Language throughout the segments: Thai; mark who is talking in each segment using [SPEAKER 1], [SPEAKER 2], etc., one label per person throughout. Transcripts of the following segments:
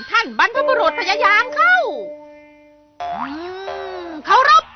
[SPEAKER 1] ท่านบรรพบุรุษพยายามเข้าเคารพ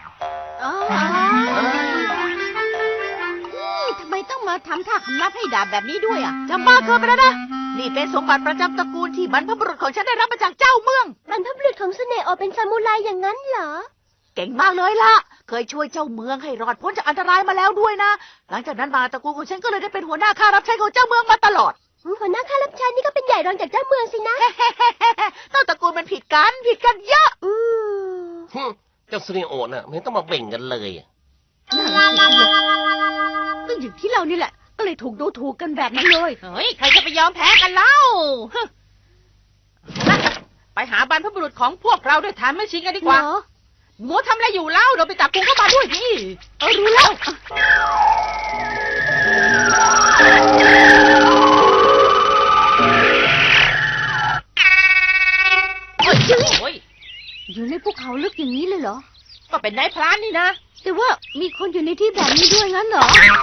[SPEAKER 2] ทำไมต้องมาทำท่าคำนับให้ดาบแบบนี้ด้วยอ่ะ
[SPEAKER 1] จำบ้าเกินไปแล้วนะนี่เป็นสมบัติประจำตระกูลที่บรรพบุรุษของฉันได้รับมาจากเจ้าเมือง
[SPEAKER 2] บรรพบุรุษของเสน่ห์ออกเป็นซามูไรอย่างนั้นเหรอ
[SPEAKER 1] เก่งมากเลยล่ะเคยช่วยเจ้าเมืองให้รอดพ้นจากอันตรายมาแล้วด้วยนะหลังจากนั้นมาตระกูลของฉันก็เลยได้เป็นหัวหน้าข้ารับใช้ของเจ้าเมืองมาตลอด
[SPEAKER 2] หัวหน้าข้ารับใช้นี่ก็เป็นใหญ่รองจากเจ้าเมืองสินะ
[SPEAKER 1] ต้นตระกูลมันผิดกันเยอะ
[SPEAKER 3] เจ้าซูนิโอน่ะไม่ต้องมาเบ่งกันเลย
[SPEAKER 2] ก็อย่างที่เรานี่แหละก็เลยถูกดูถูกกันแบบนั้นเลย
[SPEAKER 1] เฮ้ยใครจะไปยอมแพ้กันเล่าไปหาบรรพบุรุษของพวกเราด้วยฐานไม่ชิงกันดีกว่าหมูทำอะไรอยู่เล่าเราไปจับกุงเข้ามาด้วยนี่
[SPEAKER 2] รู้แล้วอยู่ในภูเขาลึกอย่างนี้เลยเหรอ
[SPEAKER 1] ก็เป็นนายพรานนี่นะ
[SPEAKER 2] แต่ว่ามีคนอยู่ในที่แบบนี้ด้วยงั้นเหรอ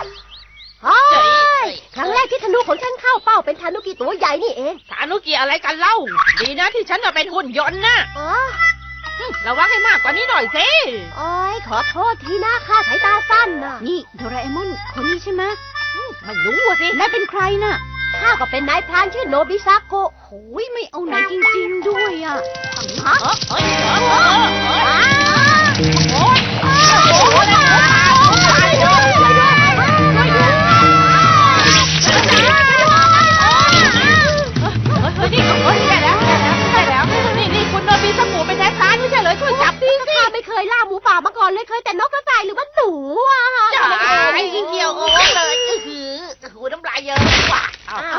[SPEAKER 2] ครั้งแรกที่ธนูของฉันเข้าเป้าเป็นธานุกิตัวใหญ่นี่เอง
[SPEAKER 1] ธานุกิอะไรกันเล่าดีนะที่ฉันเป็นหุ่นยนต์นะระวังให้มากกว่านี้หน่อยสิ
[SPEAKER 2] โอ้ยขอโทษทีนะข้าสายตาสั้นนะนี่โดราเอมอนคนนี้ใช่ไหม
[SPEAKER 1] ไม่รู้สิ
[SPEAKER 2] นายเป็นใครน่ะข้าก็เป็นนายพรานชื่อโนบิซาโกะโอ้ยไม่เอาไหนจริงๆด้วยอ่ะฮะ
[SPEAKER 1] นี่คุณโนบิซาโกะเป็นนายพรานไม่ใช่เหรอช่วยจับดิ
[SPEAKER 2] ข้าไม่เคยล่าหมูป่ามาก่อนเลยเคยแต่นกกระต่ายหรือว่าหนูอ่ะ
[SPEAKER 1] จ่ายยิ่งเกี่ยวโอ้เลยหูน้ำลายเยอะกว่า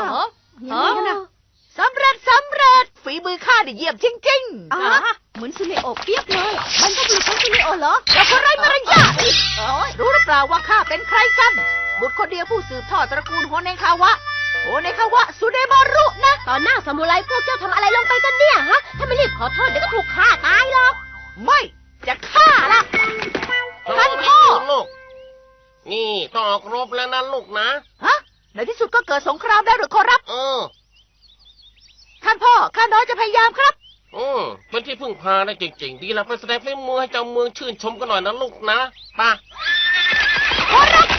[SPEAKER 1] สำเร็จฝีมือข้าได้เยี่ยมจริง
[SPEAKER 2] ๆเหมือนซูเนโอเปียกเลยมันก็เป็นของซูเนโอเหรอ
[SPEAKER 1] แล้วคนไร้มารยาทรู้หรือเปล่าว่าข้าเป็นใครกันบุตรคนเดียวผู้สืบทอดตระกูลโฮเนคาวะสุเดมารุนะ
[SPEAKER 2] ตอนหน้าซามูไรพวกเจ้าทำอะไรลงไปกันเนี่ยฮะถ้าไม่รีบขอโทษเดี๋ยวก็ถูกฆ่าตายหรอก
[SPEAKER 1] ไม่จะฆ่าล่ะท่านพ่อ
[SPEAKER 3] ลูกนี่ต้องออกรบแล้วนะลูกนะ
[SPEAKER 1] ในที่สุดก็เกิดสงครามได้หรือขอรับท่านพ่อข้าน้อยจะพยายามครับ
[SPEAKER 3] เป็นที่พึ่งพาได้จริงๆดีแล้วไปแสดงฝีมือให้เจ้าเมืองชื่นชมกันหน่อยนะลูกนะป่ะ
[SPEAKER 1] ขอรับ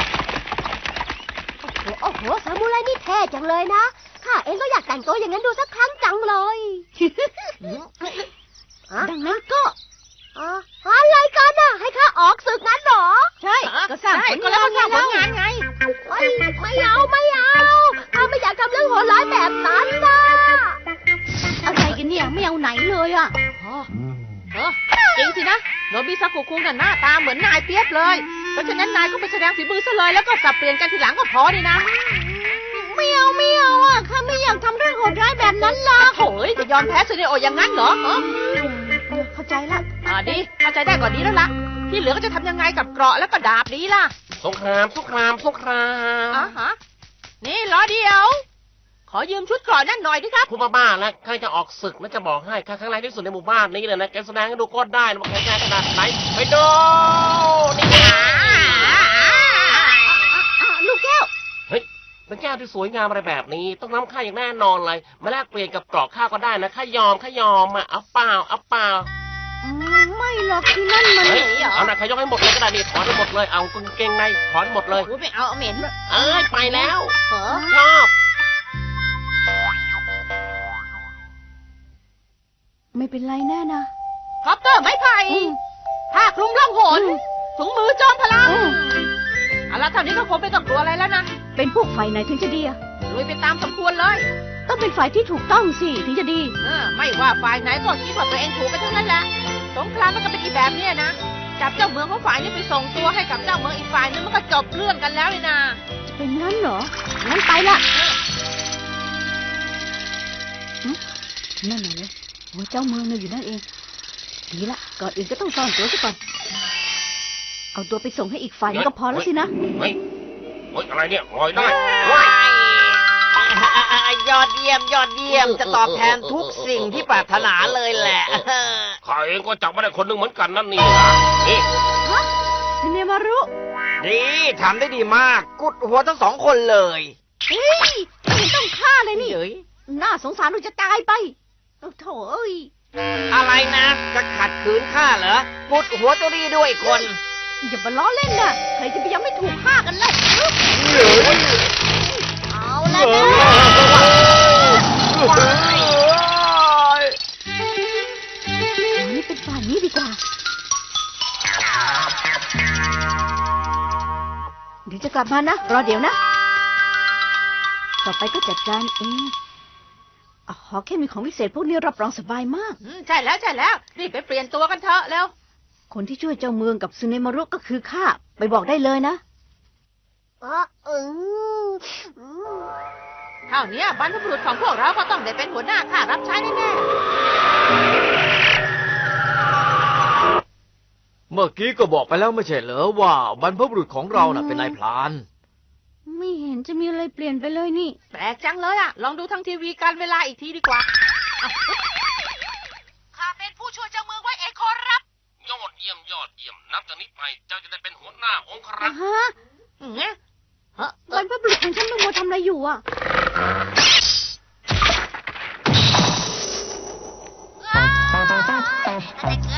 [SPEAKER 2] โอ้โหซามูไรนี่เท่จังเลยนะข้าเองก็อยากแต่งตัวอย่างนั้นดูสักครั้งจังเลยดังนั้นก็อะไรกันน่ะให้ข้าออกศึกงั้นหรอ
[SPEAKER 1] ใช่ก็สร้างผลงานไง
[SPEAKER 2] ไม่เอาข้าไม่อยากทำเรื่องโหดร้ายแบบนั้นนะอะไรกันเนี่ยไม่เอาไหนเลยอ่ะ
[SPEAKER 1] จริงสินะโนบิซากุคุงน่ะหน้าตาเหมือนนายเปียบเลยเพราะฉะนั้นนายก็ไปแสดงฝีมือซะเลยแล้วก็สับเปลี่ยนกันทีหลังก็พอดีนะ
[SPEAKER 2] ไม่เอาอ่ะข้าไม่อยากทำเรื่องโหดร้ายแบบนั้นหรอก
[SPEAKER 1] โอ้ยจะยอมแพ้ซูเนโออย่างนั้นเหรอ
[SPEAKER 2] เข้าใจละ
[SPEAKER 1] ดีเข้าใจได้ก่อนดีแล้วล่ะที่เหลือก็จะทำยังไงกับเกราะแล้วก็ดาบนี้ล่ะ
[SPEAKER 3] สงคราม
[SPEAKER 1] นี่รอเดียวขอยืมชุดเกราะนั่นหน่อยดิครับ
[SPEAKER 3] ผู้บ้าแล้วใครจะออกศึกแล้วจะบอกให้ข้าครั้งแรกที่สุดในหมู่บ้านนี้เลยนะแกแสดงให้ดูก็ได้ว่าแกแกขนาดไหนไปดูนี่
[SPEAKER 2] ลูกแก้ว
[SPEAKER 3] เฮ้ยเป็นแก้วที่สวยงามอะไรแบบนี้ต้องน้ำข้าอย่างแน่นอนเลยมาแลกเปลี่ยนกับเกราะข้าก็ได้นะข้ายอมเอาเปล่า
[SPEAKER 2] ไม่หรอกที่นั่นมัน
[SPEAKER 3] เอาหนักขยกให้หมดเลยก็ได้นี่ถอนให้หมดเลยเอากางเกงในถอนหมดเลย
[SPEAKER 1] ไม่เอาเหม็น
[SPEAKER 3] ไปแล้วชอบ
[SPEAKER 2] ไม่เป็นไรแน่นะ
[SPEAKER 1] คอปเตอร์ไม้ไผ่ผ้าคลุมล่องหนถุงมือจอมพลังเอาละเท่านี้ก็คงไม่ต้องกลัวอะไรแล้วนะ
[SPEAKER 2] เป็นพวกฝ่ายไหนถึงจะดีอะ
[SPEAKER 1] ลุยไปตามสมควรเลย
[SPEAKER 2] ต้องเป็นฝ่ายที่ถูกต้องสิถึงจะดี
[SPEAKER 1] ไม่ว่าฝ่ายไหนก็คิดว่าตัวเองถูกกันทั้งนั้นแหละสงครามมันก็เป็นอีแบบนี้นะจับเจ้าเมืองของฝ่ายนี้ไปส่งตัวให้กับเจ้าเมืองอีกฝ่ายนึงมันก็จบเรื่องกันแล้วเลยนะ
[SPEAKER 2] จะเป็นงั้นเหรองั้นไปละนั่นไงหัวเจ้าเมืองเนี่ยอยู่นั่นเองดีละก่อนอื่นก็ต้องซ่อนตัวซะก่อนเอาตัวไปส่งให้อีกฝ่ายก็พอแล้วสินะ
[SPEAKER 3] เฮ้ยอะไรเนี่ยลอยได้
[SPEAKER 4] ยอดเยี่ยมจะตอบแทนทุกสิ่งที่ปรารถนาเลยแหละ
[SPEAKER 3] ข้าเองก็จับมาได้คนหนึ่งเหมือนกันนั่นนี่นี่
[SPEAKER 2] เนมารุ
[SPEAKER 4] ดีทำได้ดีมากกุดหัวทั้งสองคนเลย
[SPEAKER 2] เฮ้ยไม่ต้องฆ่าเลยนี่น่าสงสารเราจะตายไปโถ่เอ้ย
[SPEAKER 4] อะไรนะจะขัดขืนข้าเหรอปุดหัวเจ้าดีด้วยคน
[SPEAKER 2] อย่ามาล้อเล่นนะใครจะไปยังไม่ถูกฆ่ากันเล่าเอาละนะอันนี้เป็นฝ่ายนี้ดีกว่า เดี๋ยวจะกลับมานะ รอเดี๋ยวนะ ต่อไปก็จัดการเองอ๋อแค่มีของวิเศษพวกนี้รับรองสบายมาก
[SPEAKER 1] ใช่แล้วรีบไปเปลี่ยนตัวกันเถอะเร็ว
[SPEAKER 2] คนที่ช่วยเจ้าเมืองกับซึเนมารุก็คือข้า ไปบอกได้เลยนะ
[SPEAKER 1] เท่านี้บรรพบุรุษของพวกเราก็ต้องได้เป็นหัวหน้าข้ารับใช้แน่
[SPEAKER 5] เมื่อกี้ก็บอกไปแล้วไม่ใช่เหรอว่าบรรพบุรุษของเราน่ะเป็นนายพราน
[SPEAKER 2] ไม่เห็นจะมีอะไรเปลี่ยนไปเลยนี่
[SPEAKER 1] ๆแปลกจังเลยอะลองดูทางทีวีการเวลาอีกทีดีกว่าข้าเป็นผู้ช่วยเจ้าเมืองไว้เองขอรับ
[SPEAKER 3] ยอดเยี่ยมนับจากนี้ไปเจ้าจะได้เป็นหัวหน้าองครักษ์
[SPEAKER 2] ฮะบรรพบุรุษของฉันมันมัวทำอะไรอยู่อ่ะ
[SPEAKER 1] เด็ก